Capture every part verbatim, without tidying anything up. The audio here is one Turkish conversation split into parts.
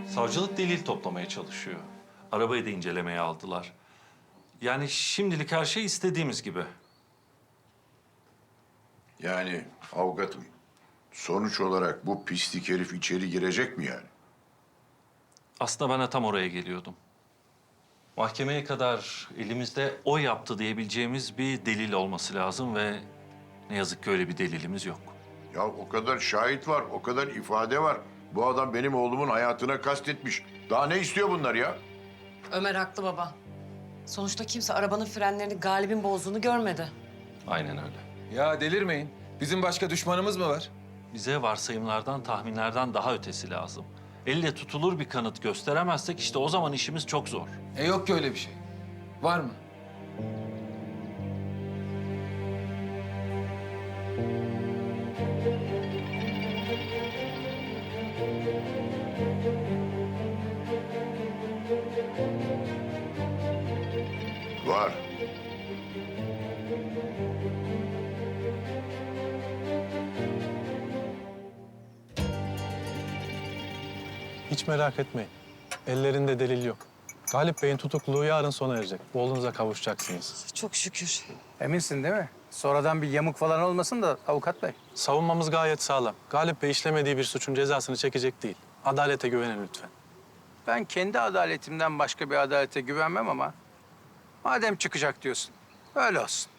Savcılık delil toplamaya çalışıyor. Arabayı da incelemeye aldılar. Yani şimdilik her şey istediğimiz gibi. Yani avukatım, sonuç olarak bu pislik herif içeri girecek mi yani? Aslında ben de tam oraya geliyordum. Mahkemeye kadar elimizde o yaptı diyebileceğimiz bir delil olması lazım ve ne yazık ki öyle bir delilimiz yok. Ya o kadar şahit var, o kadar ifade var. Bu adam benim oğlumun hayatına kastetmiş. Daha ne istiyor bunlar ya? Ömer haklı baba. Sonuçta kimse arabanın frenlerini Galip'in bozduğunu görmedi. Aynen öyle. Ya delirmeyin. Bizim başka düşmanımız mı var? Bize varsayımlardan, tahminlerden daha ötesi lazım. Elle tutulur bir kanıt gösteremezsek işte o zaman işimiz çok zor. E yok ki öyle bir şey. Var mı? Var. Hiç merak etmeyin. Ellerinde delil yok. Galip Bey'in tutukluluğu yarın sona erecek. Oğlunuza kavuşacaksınız. Çok şükür. Eminsin değil mi? Sonradan bir yamuk falan olmasın da avukat bey. Savunmamız gayet sağlam. Galip Bey işlemediği bir suçun cezasını çekecek değil. Adalete güvenin lütfen. Ben kendi adaletimden başka bir adalete güvenmem ama... madem çıkacak diyorsun, öyle olsun.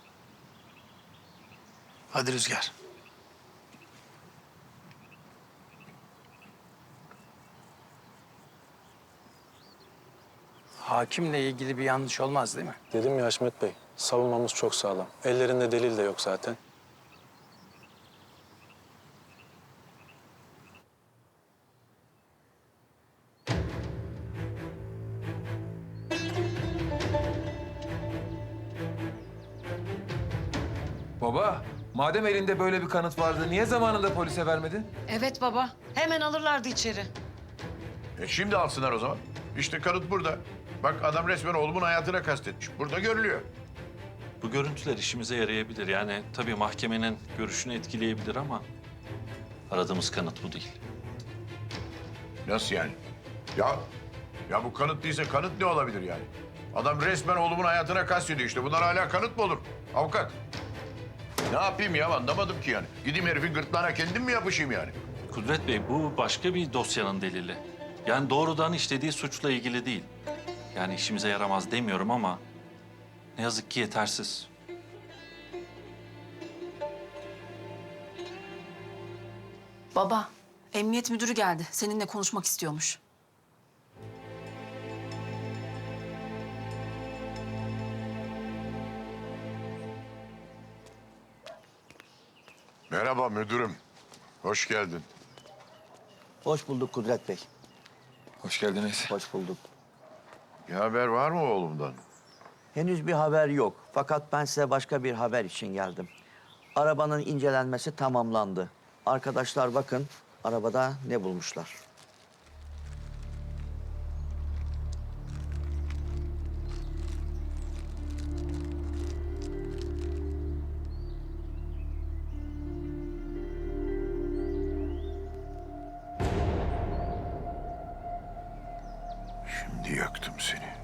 Hadi Rüzgar. Hakimle ilgili bir yanlış olmaz değil mi? Dedim ya Haşmet Bey, savunmamız çok sağlam. Ellerinde delil de yok zaten. Baba, madem elinde böyle bir kanıt vardı, niye zamanında polise vermedin? Evet baba. Hemen alırlardı içeri. E şimdi alsınlar o zaman. İşte kanıt burada. Bak adam resmen oğlumun hayatına kastetmiş. Burada görülüyor. Bu görüntüler işimize yarayabilir. Yani tabii mahkemenin görüşünü etkileyebilir ama aradığımız kanıt bu değil. Nasıl yani? Ya ya bu kanıt değilse kanıt ne olabilir yani? Adam resmen oğlumun hayatına kastediyor işte. Bunlar hala kanıt mı olur? Avukat. Ne yapayım ya anlamadım ki yani. Gideyim herifin gırtlağına kendim mi yapışayım yani? Kudret Bey, bu başka bir dosyanın delili. Yani doğrudan işlediği suçla ilgili değil. Yani işimize yaramaz demiyorum ama ne yazık ki yetersiz. Baba, emniyet müdürü geldi. Seninle konuşmak istiyormuş. Merhaba müdürüm. Hoş geldin. Hoş bulduk Kudret Bey. Hoş geldiniz. Hoş bulduk. Bir haber var mı oğlumdan? Henüz bir haber yok. Fakat ben size başka bir haber için geldim. Arabanın incelenmesi tamamlandı. Arkadaşlar bakın arabada ne bulmuşlar. Şimdi yaktım seni.